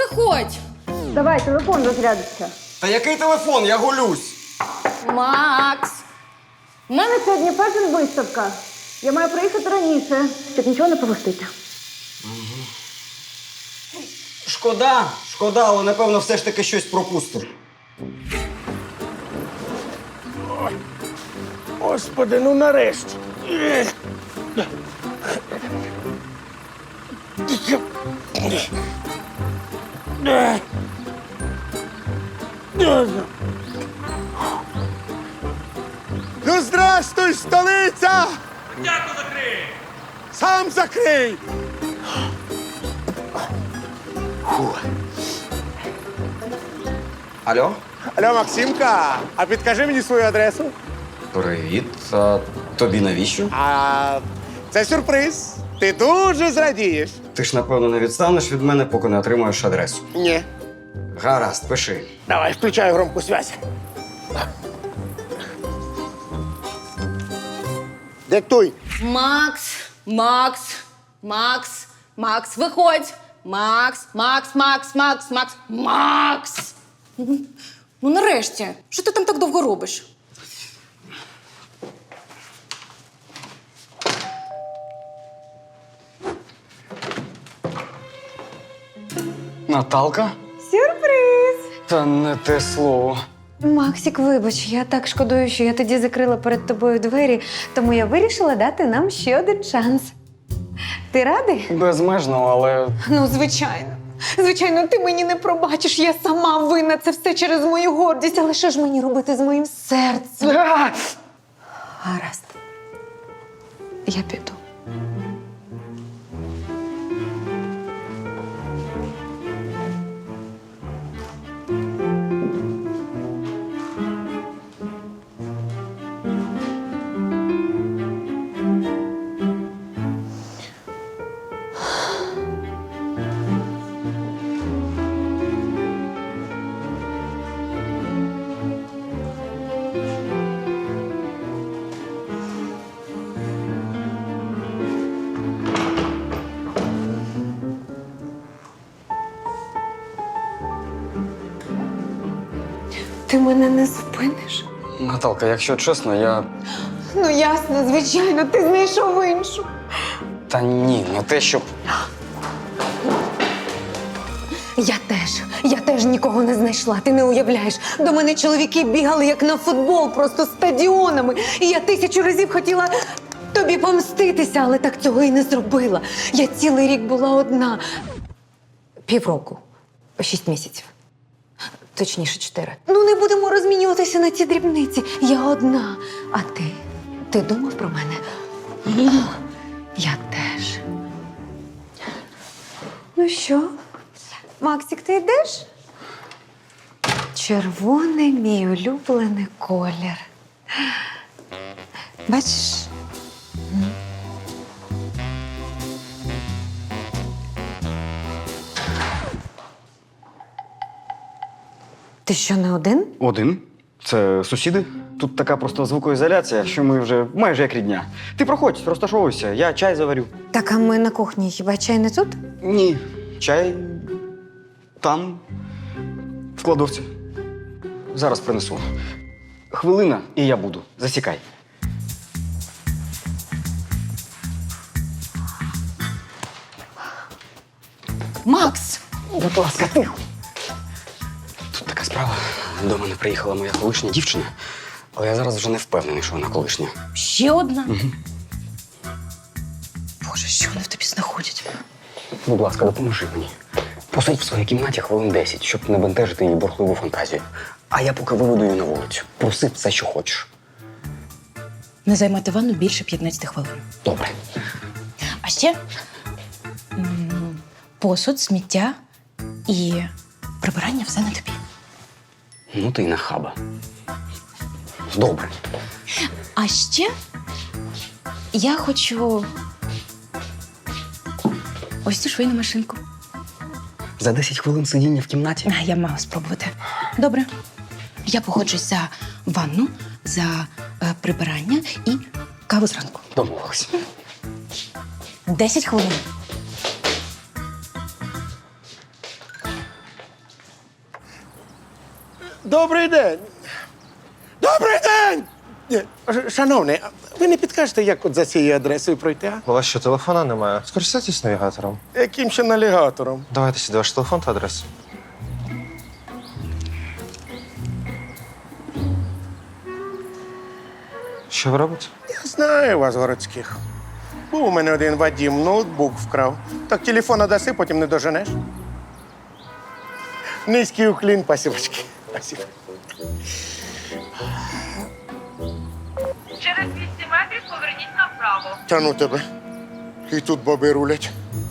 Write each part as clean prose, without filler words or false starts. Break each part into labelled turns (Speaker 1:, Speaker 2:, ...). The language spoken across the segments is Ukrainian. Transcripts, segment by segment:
Speaker 1: виходь!
Speaker 2: Давай, телефон розрядиться.
Speaker 3: Та який телефон? Я голюсь.
Speaker 1: Макс!
Speaker 2: У мене сьогодні фешн-виставка. Я маю приїхати раніше, щоб нічого не пропустити.
Speaker 3: Шкода, але напевно все ж таки щось пропустив.
Speaker 4: Господи, ну нарешті. Ну, здрастуй, столиця!
Speaker 5: Дяку закрий!
Speaker 4: Сам закрий!
Speaker 3: Алло?
Speaker 4: Алло, Максимка, а підкажи мені свою адресу.
Speaker 3: Привіт. А тобі навіщо?
Speaker 4: А це сюрприз. Ти дуже зрадієш.
Speaker 3: Ти ж, напевно, не відстанеш від мене, поки не отримаєш адресу.
Speaker 4: Ні.
Speaker 3: Гаразд, пиши.
Speaker 4: Давай, включаю громку связь. Диктуй.
Speaker 1: Макс, виходь! Макс! Ну нарешті, що ти там так довго робиш?
Speaker 3: Наталка?
Speaker 6: Сюрприз!
Speaker 3: Та не те слово.
Speaker 6: Максик, вибач, я так шкодую, що я тоді закрила перед тобою двері, тому я вирішила дати нам ще один шанс. Ти радий?
Speaker 3: Безмежно, але.
Speaker 6: Ну, звичайно. Звичайно, ти мені не пробачиш, я сама винна, це все через мою гордість, але що ж мені робити з моїм серцем? Гаразд. Я піду. Ти мене не зупиниш?
Speaker 3: Наталка, якщо чесно, я.
Speaker 6: Ну, ясно, звичайно, ти знайшов іншу.
Speaker 3: Та ні, не те, щоб.
Speaker 6: Я теж нікого не знайшла, ти не уявляєш. До мене чоловіки бігали, як на футбол, просто стадіонами. І я 1000 разів хотіла тобі помститися, але так цього і не зробила. Я цілий рік була одна. Півроку. 6 місяців. Точніше, 4. Ну, не будемо розмінюватися на ці дрібниці. Я одна. А ти? Ти думав про мене? Я теж. Ну що? Максик, ти йдеш? Червоний мій улюблений колір. Бачиш? Ти що, не один?
Speaker 3: Один. Це сусіди. Тут така просто звукоізоляція, що ми вже майже як рідня. Ти проходь, розташовуйся, я чай заварю.
Speaker 6: Так, а ми на кухні. Хіба чай не тут?
Speaker 3: Ні, чай там, в кладовці. Зараз принесу. Хвилина, і я буду. Засікай.
Speaker 1: Макс!
Speaker 3: Будь ласка, тихо. Тут така справа. До мене приїхала моя колишня дівчина, але я зараз вже не впевнений, що вона колишня.
Speaker 1: Ще одна? Боже, що вони в тобі знаходять?
Speaker 3: Будь ласка, допоможи мені. Посидь в своїй кімнаті хвилин 10, щоб не бентежити її бурхливу фантазію. А я поки виведу її на вулицю. Проси все, що хочеш.
Speaker 1: Не займати ванну більше 15 хвилин.
Speaker 3: Добре.
Speaker 1: А ще посуд, сміття і прибирання все на тобі.
Speaker 3: Ну ти й нахаба. Добре.
Speaker 1: А ще я хочу ось цю швейну машинку.
Speaker 3: За 10 хвилин сидіння в кімнаті?
Speaker 1: А, я мала спробувати. Добре. Я погоджусь за ванну, за прибирання і каву зранку.
Speaker 3: Домовились.
Speaker 1: 10 хвилин.
Speaker 4: Добрий день. Добрий день! Шановний, а ви не підкажете, як от за цією адресою пройти, а?
Speaker 5: У вас що, телефона немає? Скористайтесь навігатором.
Speaker 4: Яким ще навігатором?
Speaker 5: Давайте сюди ваш телефон та адресу. Що ви робите?
Speaker 4: Я знаю вас, городських. Був у мене один Вадім, ноутбук вкрав. Так телефон даси, потім не доженеш. Низький уклін, пасівочки. Спасибо.
Speaker 7: Через 200 метрів поверніть направо.
Speaker 4: Та ну тебе. І тут баби рулять.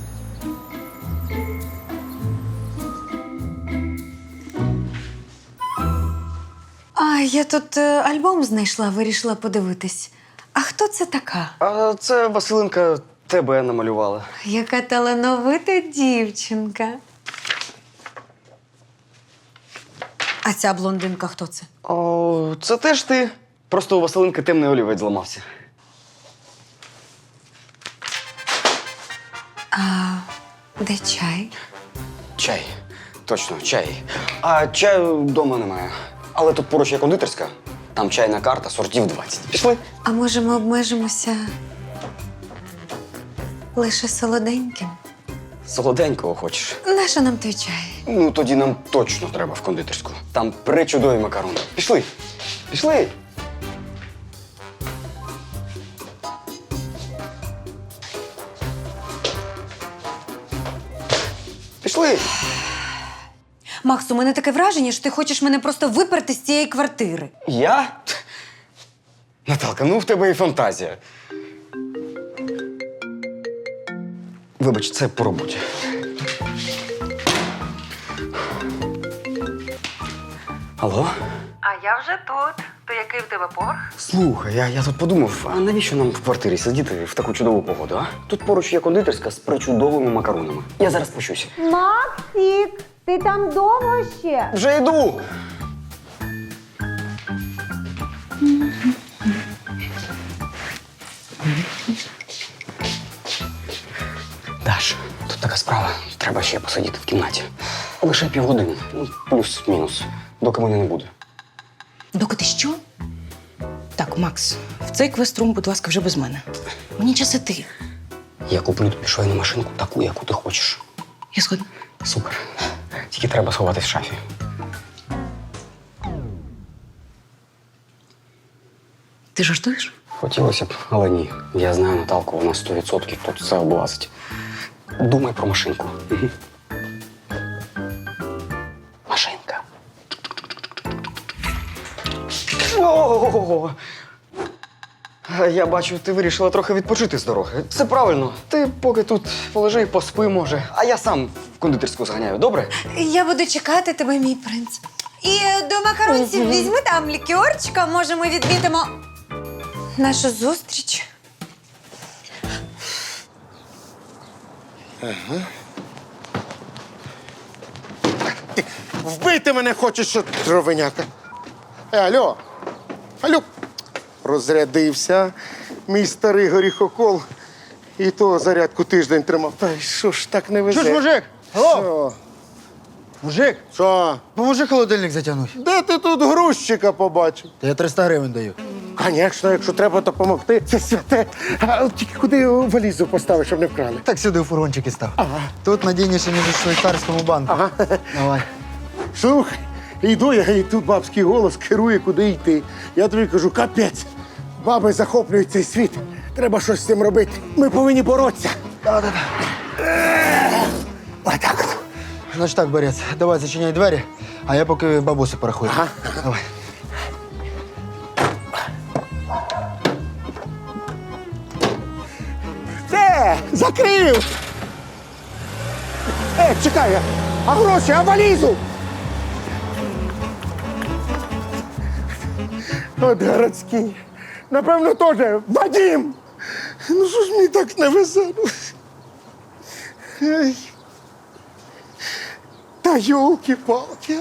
Speaker 6: А я тут альбом знайшла, вирішила подивитись. А хто це така?
Speaker 3: А це Василинка тебе намалювала.
Speaker 6: Яка талановита дівчинка. А ця блондинка хто це?
Speaker 3: О, це теж ти. Просто у Василинки темний олівець зламався.
Speaker 6: Де чай?
Speaker 3: Чай. Точно, чай. А чаю вдома немає. Але тут поруч є кондитерська. Там чайна карта, сортів 20. Пішли?
Speaker 6: А може ми обмежимося лише солоденьким?
Speaker 3: Солоденького хочеш?
Speaker 6: Нащо нам той чай?
Speaker 3: Ну, тоді нам точно треба в кондитерську. Там причудові макарони. Пішли. Пішли. Пішли.
Speaker 6: Макс, у мене таке враження, що ти хочеш мене просто виперти з цієї квартири.
Speaker 3: Я? Наталка, ну в тебе і фантазія. Вибач, це по роботі. Алло?
Speaker 7: А я вже тут. То який в тебе поверх?
Speaker 3: Слухай, я тут подумав, а навіщо нам в квартирі сидіти в таку чудову погоду, а? Тут поруч є кондитерська з причудовими макаронами. Я зараз пощуся.
Speaker 2: Максик, ти там довго ще?
Speaker 3: Вже йду! Даш, тут така справа. Треба ще посидіти в кімнаті. Лише півгодини. Ну, плюс-мінус. Доки мене не буде.
Speaker 1: Доки ти що? Так, Макс, в цей квест-рум, будь ласка, вже без мене. Мені час іти.
Speaker 3: Я куплю тобі швейну машинку таку, яку ти хочеш.
Speaker 1: Я згодна.
Speaker 3: Супер. Тільки треба сховатись в шафі.
Speaker 1: Ти жартуєш?
Speaker 3: Хотілося б, але ні. Я знаю Наталку, вона 100% тут все облазить. Думай про машинку. Мгм. Машинка. О! Я бачу, ти вирішила трохи відпочити з дороги. Це правильно. Ти поки тут полежи і поспи, може. А я сам в кондитерську зганяю, добре?
Speaker 6: Я буду чекати тебе, мій принц. І до макаронців візьми там лікерчика, може ми відмітимо нашу зустріч.
Speaker 4: Вбити мене хочеш, що дровиняка. Алло. Алло. Розрядився мій старий горіхокол. І то зарядку тиждень тримав. Та й що ж так не везе?
Speaker 8: Чуєш, мужик? Алло,
Speaker 4: Що?
Speaker 8: мужик,
Speaker 4: Що?
Speaker 8: поможи холодильник затягнути.
Speaker 4: Де ти тут грузчика побачив?
Speaker 8: Та я 300 гривень даю.
Speaker 4: Звісно, якщо треба допомогти, це святе. А тільки куди валізу поставиш, щоб не вкрали?
Speaker 8: Так сюди у фургончики став. Ага. Тут надійніше, ніж у швейцарському банку.
Speaker 4: Ага.
Speaker 8: Давай.
Speaker 4: Слухай, йду я, і тут бабський голос керує, куди йти. Я тобі кажу, капець. Баби захоплюють цей світ. Треба щось з цим робити. Ми повинні боротися. Отак от.
Speaker 8: Значить так, Борець, давай зачиняй двері, а я поки бабусю порахую.
Speaker 4: Ага.
Speaker 8: Давай.
Speaker 4: Все, закрив! Чекай, а гроші, а валізу? От городський. Напевно, теж Вадим! Ну що ж мені так не везе? Ей. Та йолки-палки.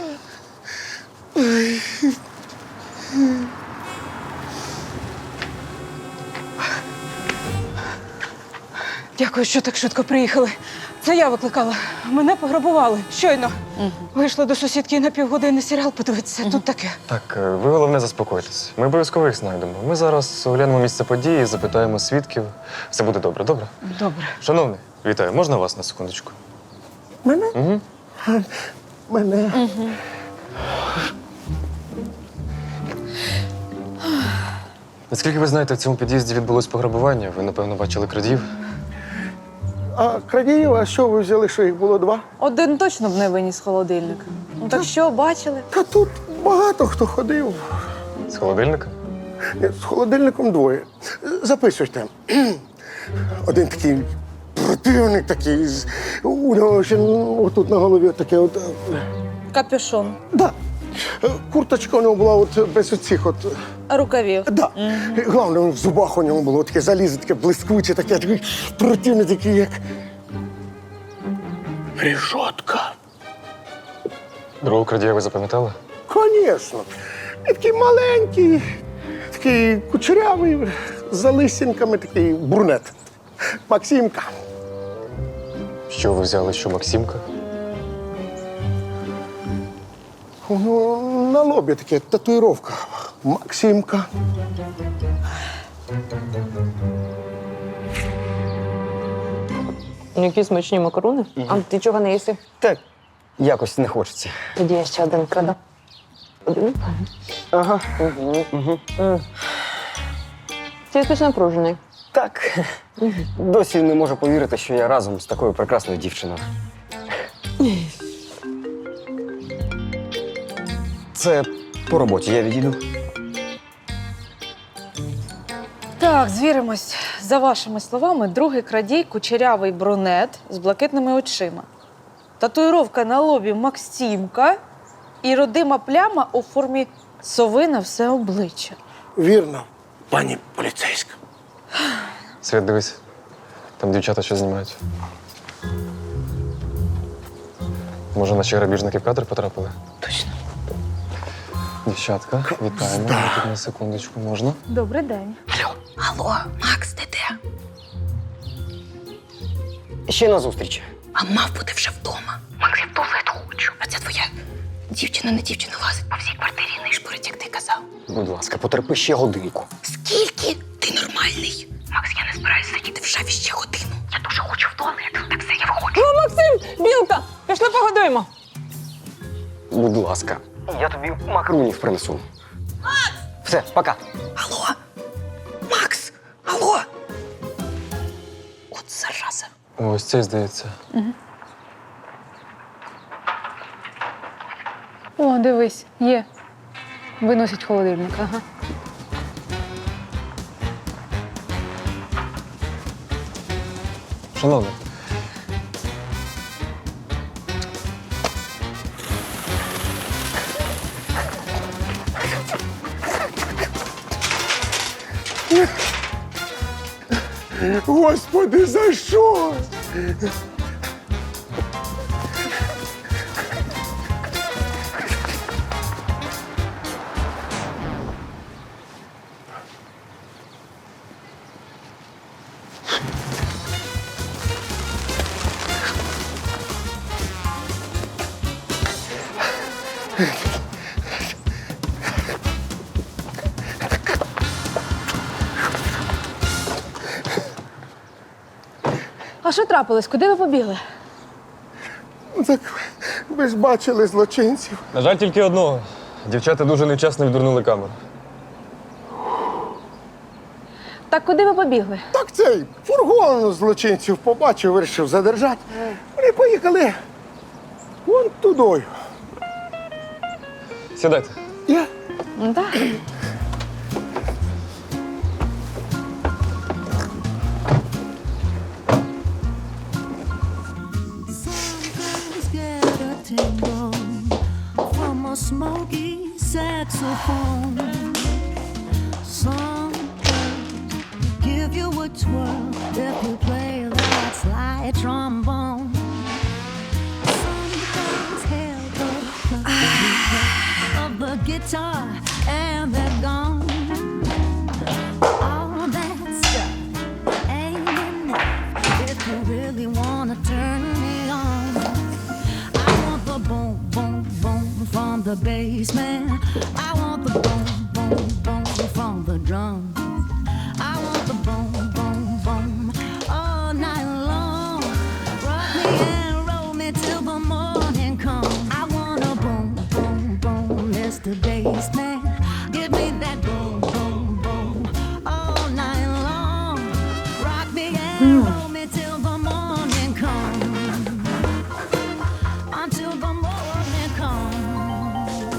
Speaker 6: Дякую, що так швидко приїхали.
Speaker 9: Це я викликала. Мене пограбували. Щойно. Вийшла до сусідки на півгодини серіал подивитися. Тут таке.
Speaker 10: Так, ви головне заспокойтесь. Ми обов'язково їх знайдемо. Ми зараз оглянемо місце події, запитаємо свідків. Все буде добре, добре?
Speaker 9: Добре.
Speaker 10: Шановний, вітаю, можна вас на секундочку?
Speaker 4: Мене?
Speaker 10: Угу.
Speaker 4: Мене.
Speaker 10: Наскільки ви знаєте, в цьому під'їзді відбулось пограбування. Ви, напевно, бачили крадіїв.
Speaker 4: А крадіїв, а що ви взяли, що їх було 2?
Speaker 11: Один точно б не виніс холодильника. Ну так що, бачили?
Speaker 4: Та тут багато хто ходив.
Speaker 10: З холодильника?
Speaker 4: Ні, з холодильником 2. Записуйте. Один такий противник такий, у нього ще отут на голові таке от.
Speaker 11: Капюшон.
Speaker 4: Да. Курточка у нього була от без оцих от.
Speaker 11: Рукавів.
Speaker 4: Да. Головне, в зубах у нього було таке залізо, таке блискуче, таке такий противний, такий, як. Рішотка.
Speaker 10: Другого крадія ви запам'ятали?
Speaker 4: Звісно. Він такий маленький, такий кучерявий, з залисінками, такий брунет. Максимка.
Speaker 10: Що ви взяли, що Максимка?
Speaker 4: Ну, на лобі таке татуїровка. Максимка.
Speaker 11: Які смачні макарони. А ти чого не їси?
Speaker 3: Так, якось не хочеться.
Speaker 11: Тоді я ще один краду. Один?
Speaker 3: Ага.
Speaker 11: Ти якось напружений.
Speaker 3: Так. Досі не можу повірити, що я разом з такою прекрасною дівчиною. Це по роботі, я відійду.
Speaker 11: Так, звіримось. За вашими словами, другий крадій кучерявий брюнет з блакитними очима. Татуїровка на лобі Максимка і родима пляма у формі сови на все обличчя.
Speaker 4: Вірно, пані поліцейська.
Speaker 10: Свят, дивись. Там дівчата що знімають. Може, наші грабіжники в кадр потрапили?
Speaker 11: Точно.
Speaker 10: Дівчатка, вітаємо. Ви тут на секундочку можна?
Speaker 11: Добрий день.
Speaker 1: Алло, Макс, ти де?
Speaker 3: Ще на зустріч.
Speaker 1: А мав бути вже вдома. Макс, я в туалет хочу. А ця твоя дівчина не дівчина лазить по всій квартирі і нишпорить, як ти казав.
Speaker 3: Будь ласка, потерпи ще годинку.
Speaker 1: Скільки? Ти нормальний? Макс, я не збираюсь сидіти в шафі ще годину. Я дуже хочу в туалет. Так все, я виходжу.
Speaker 11: О, Максим! Білка! Пішли погодуємо.
Speaker 3: Будь ласка. Я тобі макарунів принесу. Макс! Все, пока.
Speaker 1: Алло? Макс! Алло? От зараза.
Speaker 10: Ось цей, здається.
Speaker 11: О, дивись, є. Виносять холодильник, ага.
Speaker 10: Шановний.
Speaker 4: Господи, за що?
Speaker 11: А що трапилось? Куди ви побігли?
Speaker 4: Так ви ж бачили злочинців.
Speaker 10: На жаль, тільки одного. Дівчата дуже невчасно відвернули камеру.
Speaker 11: Так куди ви побігли?
Speaker 4: Так цей фургон злочинців побачив, вирішив задержати. Вони поїхали вон тудою.
Speaker 10: Сідайте.
Speaker 4: Я?
Speaker 11: Так.
Speaker 12: Get a tingle from a smoky saxophone. Some give you a twirl if you play that slide trombone. Sometimes held the of the guitar and they're gone. All that stuff ain't enough if you really wanna turn hold me till the morning comes. Until the morning comes.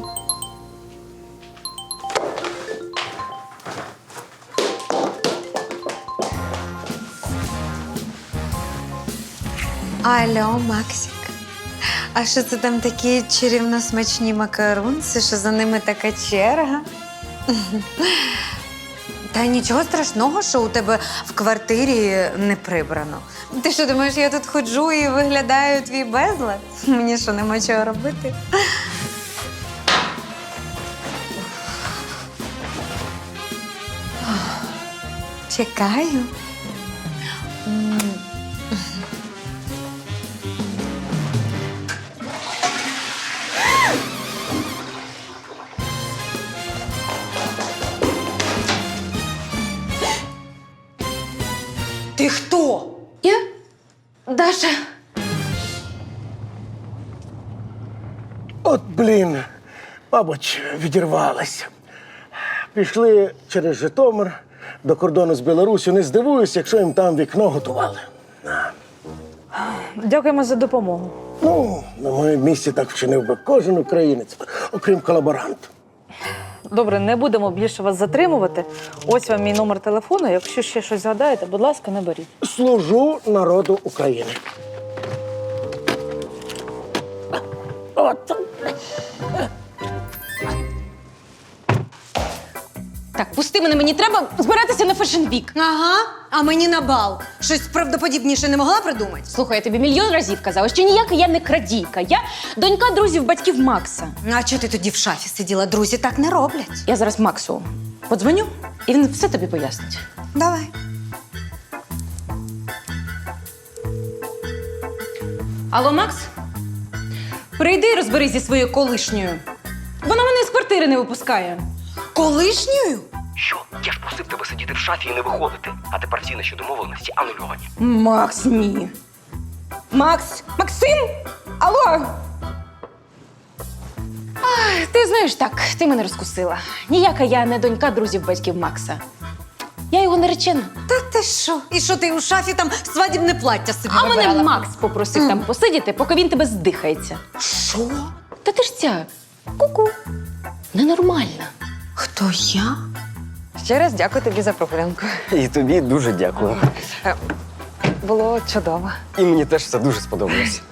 Speaker 6: Алло, Максик. А що це там такі чарівно смачні макарунці, що за ними така черга? Та нічого страшного, що у тебе в квартирі не прибрано. Ти що, думаєш, я тут ходжу і виглядаю твій безлад? Мені що, нема чого робити? Чекаю. Ти хто?
Speaker 1: Я? Даша.
Speaker 4: От, блін, мабуть, відірвалися. Пішли через Житомир до кордону з Білоруссю. Не здивуюсь, якщо їм там вікно готували.
Speaker 11: Дякуємо за допомогу.
Speaker 4: Ну, на моєму місці так вчинив би кожен українець, окрім колаборанта.
Speaker 11: Добре, не будемо більше вас затримувати. Ось вам мій номер телефону. Якщо ще щось згадаєте, будь ласка, наберіть.
Speaker 4: Служу народу України. От.
Speaker 1: Так, пусти мене, мені треба збиратися на фешн-вік.
Speaker 6: Ага, а мені на бал. Щось правдоподібніше не могла придумати?
Speaker 1: Слухай, я тобі мільйон разів казала, що ніяка я не крадійка. Я донька друзів батьків Макса.
Speaker 6: А чого ти тоді в шафі сиділа? Друзі так не роблять.
Speaker 1: Я зараз Максу подзвоню, і він все тобі пояснить.
Speaker 6: Давай.
Speaker 1: Алло, Макс? Прийди і розберись зі своєю колишньою. Вона мене з квартири не випускає.
Speaker 6: Колишньою?
Speaker 3: Що? Я ж просив тебе сидіти в шафі і не виходити. А тепер всі наші домовленості анульовані.
Speaker 1: Макс, ні. Макс! Максим! Алло! Ах, ти знаєш, так, ти мене розкусила. Ніяка я не донька друзів батьків Макса. Я його наречена.
Speaker 6: Та ти що? І що ти у шафі там свадібне плаття собі
Speaker 1: А
Speaker 6: вибирала?
Speaker 1: мене Макс попросив там посидіти, поки він тебе здихається.
Speaker 6: Що?
Speaker 1: Та ти ж ця ку-ку. Ненормальна.
Speaker 6: Хто я?
Speaker 13: Ще раз дякую тобі за прогулянку.
Speaker 3: І тобі дуже дякую.
Speaker 13: Було чудово.
Speaker 3: І мені теж це дуже сподобалось.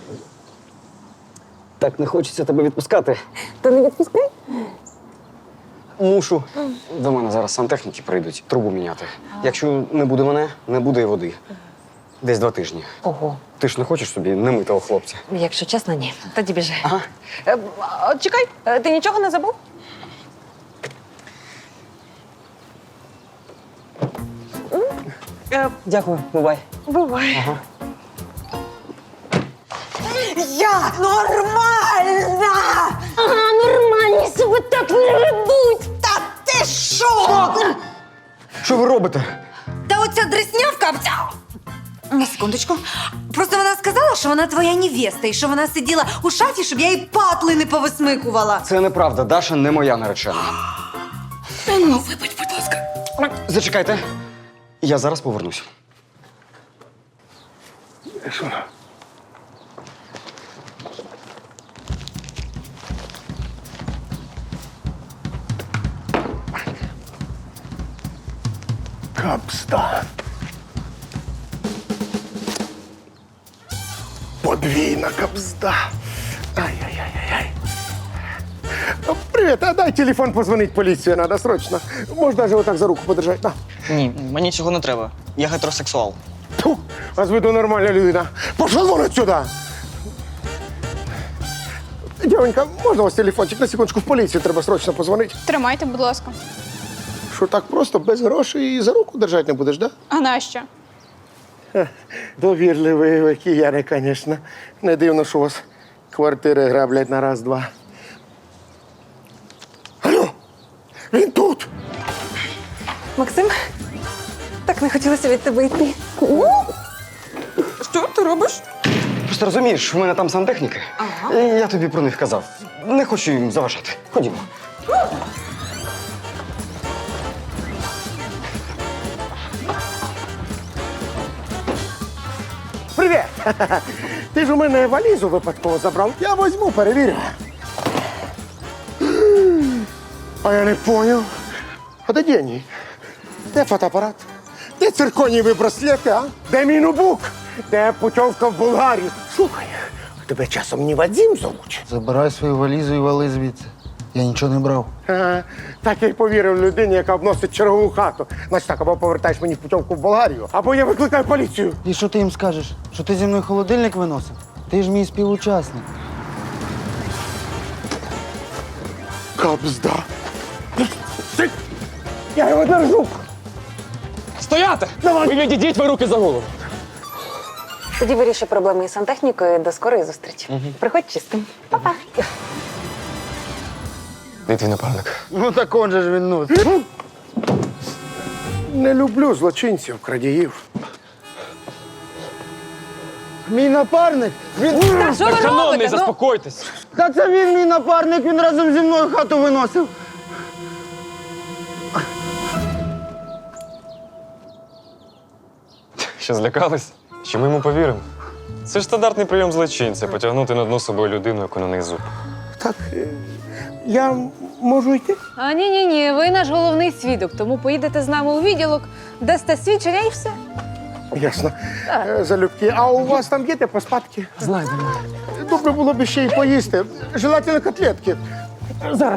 Speaker 3: Так не хочеться тебе відпускати.
Speaker 13: То не відпускай?
Speaker 3: Мушу. До мене зараз сантехніки прийдуть трубу міняти. Якщо не буде мене, не буде і води. Десь 2 тижні.
Speaker 13: Ого.
Speaker 3: Ти ж не хочеш собі немитого хлопця?
Speaker 13: Якщо чесно, ні. Тоді біжи.
Speaker 3: Ага.
Speaker 13: Чекай, ти нічого не забув?
Speaker 3: Дякую, бувай.
Speaker 13: Бувай.
Speaker 3: Ага.
Speaker 6: Я нормальна!
Speaker 1: Ага, нормальні себе так не ведуть.
Speaker 6: Та ти що?
Speaker 3: Що ви робите?
Speaker 6: Та оця дреснявка... На секундочку. Просто вона сказала, що вона твоя невеста, і що вона сиділа у шафі, щоб я їй патли не повисмикувала.
Speaker 3: Це неправда. Даша не моя наречена.
Speaker 6: Ну, вибач, будь ласка.
Speaker 3: Зачекайте. Я зараз повернусь.
Speaker 4: Що? Капста. Подвійна капста. Ай-яй-яй-яй. Привіт, а дай телефон позвонить поліцію, треба срочно. Можна навіть отак за руку подержати. На.
Speaker 14: Ні, мені цього не треба. Я гетеросексуал.
Speaker 4: Тьфу, а з виду нормальна людина. Пошла вон отсюда! Дівонька, можна ось телефончик? На секундочку в поліцію треба срочно позвонити.
Speaker 9: Тримайте, будь ласка.
Speaker 4: Що так просто, без грошей і за руку держати не будеш, да?
Speaker 9: А нащо?
Speaker 4: Довірливі ви кияни, звісно. Не дивно, що у вас квартири граблять на раз-два. Алло! Він тут!
Speaker 13: Максим, так не хотілося від тебе йти.
Speaker 9: Що ти робиш?
Speaker 3: Просто розумієш, у мене там сантехніки. Ага. І я тобі про них казав. Не хочу їм заважати. Ходімо.
Speaker 4: Ти ж у мене валізу випадково забрав. Я візьму, перевірю. А я не поняв. А де деньги? Де фотоапарат? Де цирконієві браслети, а? Де мій ноутбук? Де путівка в Болгарію? Слухай, тебе часом не Вадим зовуть?
Speaker 8: Забирай свою валізу і вали звідси. Я нічого не брав.
Speaker 4: Ага. Так я й повірив людині, яка обносить чергову хату. Значить так, або повертаєш мені путівку в Болгарію, або я викликаю поліцію.
Speaker 8: І що ти їм скажеш? Що ти зі мною холодильник виносив? Ти ж мій співучасник.
Speaker 4: Кабзда. Я його держу.
Speaker 10: Стояти!
Speaker 4: Давай!
Speaker 10: Ви відійдіть ви руки за голову.
Speaker 6: Тоді вирішуй проблеми із сантехнікою. До скорої зустрічі. Приходь чистим. Па-па.
Speaker 10: Де твій напарник?
Speaker 8: Ну так он же ж він, ну.
Speaker 4: Не люблю злочинців, крадіїв.
Speaker 8: Мій напарник? Він...
Speaker 11: Що ви
Speaker 10: Шановний,
Speaker 11: робите? Ну,
Speaker 10: заспокойтесь.
Speaker 8: Та це він мій напарник, він разом зі мною хату виносив.
Speaker 10: Що, злякались? Що ми йому повіримо? Це ж стандартний прийом злочинця – потягнути на дно собою людину, яку на них зуб.
Speaker 4: Так, я можу йти?
Speaker 11: А ні, ви наш головний свідок, тому поїдете з нами у відділок, дасте свідчення і все.
Speaker 4: Ясно. Залюбки. А у вас там є де поспадки?
Speaker 10: Знайдемо.
Speaker 4: Добре було б ще й поїсти. Желательно котлетки. Зараз.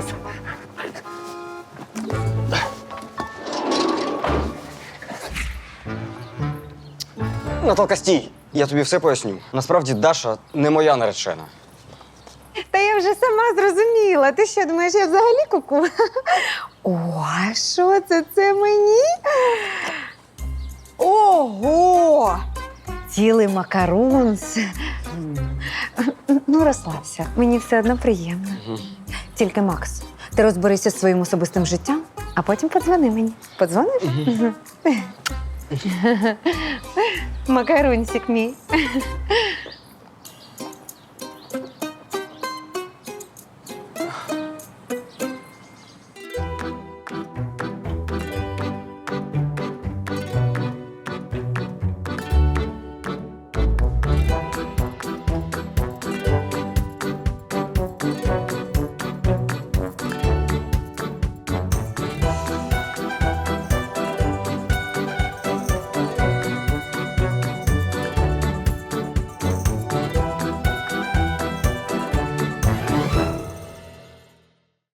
Speaker 3: Наталка, стій! Я тобі все поясню. Насправді Даша не моя наречена.
Speaker 6: Та я вже сама зрозуміла. Ти що, думаєш, я взагалі куку? О, а що це? Це мені? Ого! Цілий макарунс. Ну, розслабся. Мені все одно приємно. Тільки, Макс, ти розберися зі своїм особистим життям, а потім подзвони мені. Подзвониш? Макарунсик мій.